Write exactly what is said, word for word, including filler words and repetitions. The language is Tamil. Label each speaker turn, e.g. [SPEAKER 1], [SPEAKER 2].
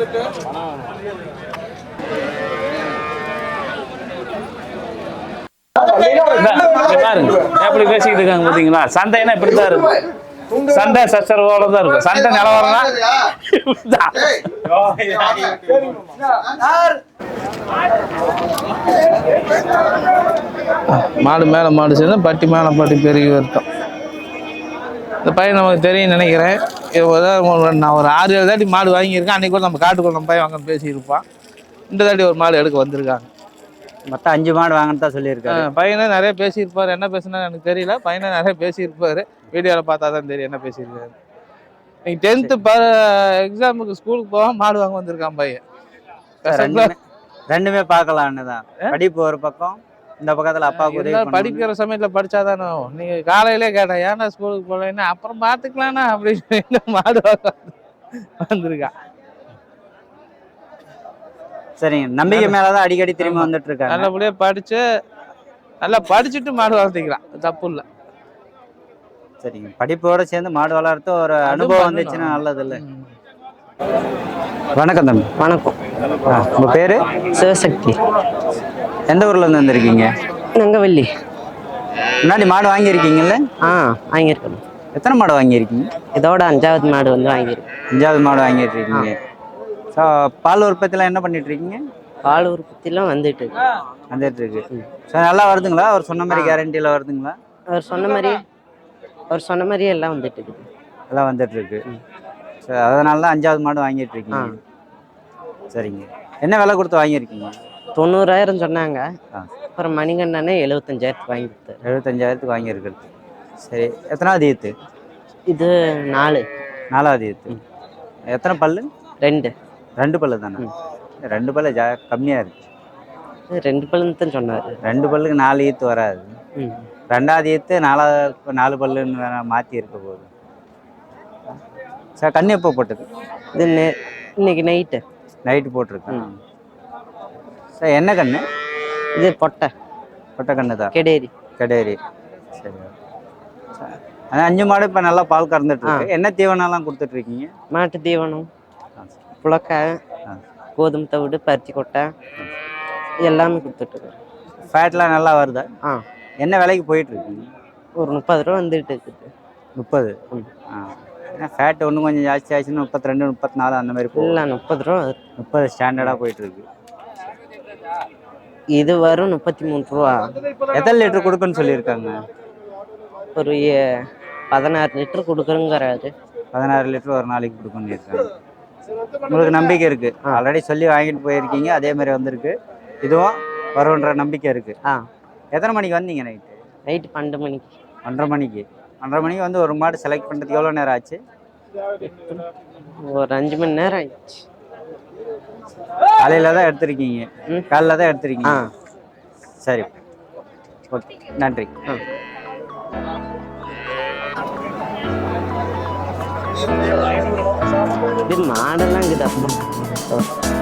[SPEAKER 1] பாருங்க எப்படி பேசிக்கிட்டு இருக்காங்க பாத்தீங்களா? சண்டைன்னா இப்படித்தான் இருக்கும். சண்டை சச்சரவோட தான் இருக்கும். சண்டை நிலவரம்னா மாடு மேல மாடு சேர்ந்து பட்டி மேல பட்டி பெருகி வருத்தம். இந்த பையன் நமக்கு தெரியும் நினைக்கிறேன். நான் ஒரு ஆறு ஏழு தாட்டி மாடு வாங்கியிருக்கேன். அன்னைக்கு கூட நம்ம காட்டுக்குள்ள நம்ம பையன் வாங்க பேசியிருப்பான். இந்த தாட்டி ஒரு மாடு எடுக்க வந்திருக்காங்க.
[SPEAKER 2] மொத்தம் அஞ்சு மாடு வாங்கன்னு தான் சொல்லியிருக்காரு.
[SPEAKER 1] பையனை நிறைய பேசியிருப்பாரு. என்ன பேசுனா எனக்கு தெரியல. பையனை நிறைய பேசியிருப்பாரு. வீடியோவில் பார்த்தா தான் தெரியும் என்ன பேசியிருக்காரு. இன்னைக்கு டென்த்து ப எக்ஸாமுக்கு ஸ்கூலுக்கு போக மாடு வாங்க வந்திருக்கான் பையன்.
[SPEAKER 2] ரெண்டுமே பார்க்கலான்னு தான். படிப்பு ஒரு பக்கம், இந்த பக்கத்தில் அப்பாவுக்கு
[SPEAKER 1] படிக்கிற சமயத்துல படிச்சாதானே. நீங்க காலையிலே கேட்டேன் ஏன்னா ஸ்கூலுக்கு போகலன்னா அப்புறம் பார்த்துக்கலாம்னா அப்படின்னு மாடு வாங்க வந்திருக்கான்.
[SPEAKER 2] சரிங்க, நம்பிக்கை மேலதான் அடிக்கடி திரும்பி வந்துட்டு இருக்காங்க.
[SPEAKER 1] நல்லபடியா படிச்சு நல்லா படிச்சுட்டு மாடு வளர்த்திக்கலாம், தப்பு இல்லை.
[SPEAKER 2] சரிங்க, படிப்போட சேர்ந்து மாடு வளர்த்து ஒரு அனுபவம் வந்துச்சுன்னா நல்லது இல்லை. வணக்கம் தம்பி.
[SPEAKER 3] வணக்கம்.
[SPEAKER 2] உங்க பேரு?
[SPEAKER 3] சிவசக்தி.
[SPEAKER 2] எந்த ஊர்ல இருந்து வந்திருக்கீங்க?
[SPEAKER 3] நங்கவள்ளி.
[SPEAKER 2] முன்னாடி மாடு வாங்கியிருக்கீங்கல்ல?
[SPEAKER 3] ஆ வாங்கியிருக்கேன்.
[SPEAKER 2] எத்தனை மாடு வாங்கியிருக்கீங்க?
[SPEAKER 3] இதோட அஞ்சாவது மாடு வந்து வாங்கியிருக்கேன்.
[SPEAKER 2] அஞ்சாவது மாடு வாங்கிட்டு இருக்கீங்க. ஸோ பால் உற்பத்திலாம் என்ன பண்ணிட்டு இருக்கீங்க?
[SPEAKER 3] பால் உற்பத்திலாம் வந்துட்டு இருக்கு.
[SPEAKER 2] வந்துட்டு இருக்கு. ஸோ நல்லா வருதுங்களா? அவர் சொன்ன மாதிரி கேரண்டியில் வருதுங்களா?
[SPEAKER 3] அவர் சொன்ன மாதிரி அவர் சொன்ன மாதிரியே எல்லாம் வந்துட்டு இருக்குது.
[SPEAKER 2] எல்லாம் வந்துட்டு இருக்கு. ஸோ அதனால தான் அஞ்சாவது மாடு வாங்கிட்டு இருக்கீங்க. சரிங்க, என்ன விலை கொடுத்து வாங்கியிருக்கீங்க?
[SPEAKER 3] தொண்ணூறாயிரம் சொன்னாங்க. அப்புறம் மணிகண்டனே எழுபத்தஞ்சாயிரத்துக்கு வாங்கி கொடுத்தாரு.
[SPEAKER 2] எழுபத்தஞ்சாயிரத்துக்கு வாங்கியிருக்கிறது. சரி, எத்தனாவது ஈத்து
[SPEAKER 3] இது? நாலு.
[SPEAKER 2] நாலாவது ஈத்து. எத்தனை பல்லு?
[SPEAKER 3] ரெண்டு. ரெண்டு
[SPEAKER 2] பல்லு தானே? ரெண்டு பல்லு ஜா கம்மியாக இருக்கு.
[SPEAKER 3] ரெண்டு பல்லுன்னு தான் சொன்னார்.
[SPEAKER 2] ரெண்டு பல்லுக்கு நாலு ஈத்து வராது. ரெண்டாவது ஈத்து நாலாவது நாலு பல்லுன்னு மாற்றி இருக்க போகுது. சார் கண்ணு எப்போ போட்டது?
[SPEAKER 3] இது நே இன்னைக்கு நைட்டு
[SPEAKER 2] நைட்டு போட்டிருக்கேன். சார் என்ன கண்ணு
[SPEAKER 3] இது? பொட்டை.
[SPEAKER 2] பொட்டை கண்ணு தான்.
[SPEAKER 3] கெடேரி.
[SPEAKER 2] கெடேரி. சரி. அதான் அஞ்சு மாடு இப்போ நல்லா பால் கறந்துட்டு இருக்கு. என்ன தீவனம்லாம் கொடுத்துட்டு இருக்கீங்க?
[SPEAKER 3] மாட்டு தீவனம், புழக்காய், கோதுமை தவிடு, பருத்தி கொட்டை எல்லாமே கொடுத்துட்டு.
[SPEAKER 2] ஃபேட்லாம் நல்லா வருதா? ஆ. என்ன விலைக்கு போயிட்டு இருக்கீங்க?
[SPEAKER 3] ஒரு முப்பது ரூபா வந்துட்டு இருக்குது.
[SPEAKER 2] முப்பது. ஆ. ஏன்னா ஃபேட் ஒன்றும் கொஞ்சம் ஜாஸ்தி ஆச்சுன்னா முப்பத்தி ரெண்டு முப்பத்தி நாலு அந்த மாதிரி போகும்.
[SPEAKER 3] இல்லை, முப்பது ரூபா.
[SPEAKER 2] முப்பது ஸ்டாண்டர்டாக போயிட்டு இருக்கு.
[SPEAKER 3] இது வரும் முப்பத்தி மூணு ரூபா.
[SPEAKER 2] எத்தனை லிட்டர் கொடுக்குன்னு சொல்லியிருக்காங்க?
[SPEAKER 3] ஒரு பதினாறு லிட்டர் கொடுக்குறேங்கிறாரு.
[SPEAKER 2] பதினாறு லிட்டர் ஒரு நாளைக்கு கொடுக்குன்னு இருக்காங்க. உங்களுக்கு நம்பிக்கை இருக்கு? ஆல்ரெடி சொல்லி வாங்கிட்டு போயிருக்கீங்க, அதே மாதிரி வந்திருக்கு. இதுவும் வரும்ன்ற நம்பிக்கை இருக்கு. ஆ. எத்தனை மணிக்கு வந்தீங்க? நைட்டு
[SPEAKER 3] நைட்டு பன்னெண்டு மணிக்கு.
[SPEAKER 2] ஒன்றரை மணிக்கு ஒன்றரை மணிக்கு வந்து ஒரு மாடு செலக்ட் பண்ணுறதுக்கு எவ்வளோ நேரம் ஆச்சு?
[SPEAKER 3] ஒரு அஞ்சு மணி நேரம் ஆயிடுச்சு.
[SPEAKER 2] காலையில் தான் எடுத்திருக்கீங்க? காலையில் தான் எடுத்திருக்கீங்க. சரி, ஓகே, நன்றி.
[SPEAKER 3] இது மாடெல்லாம் இருக்குது.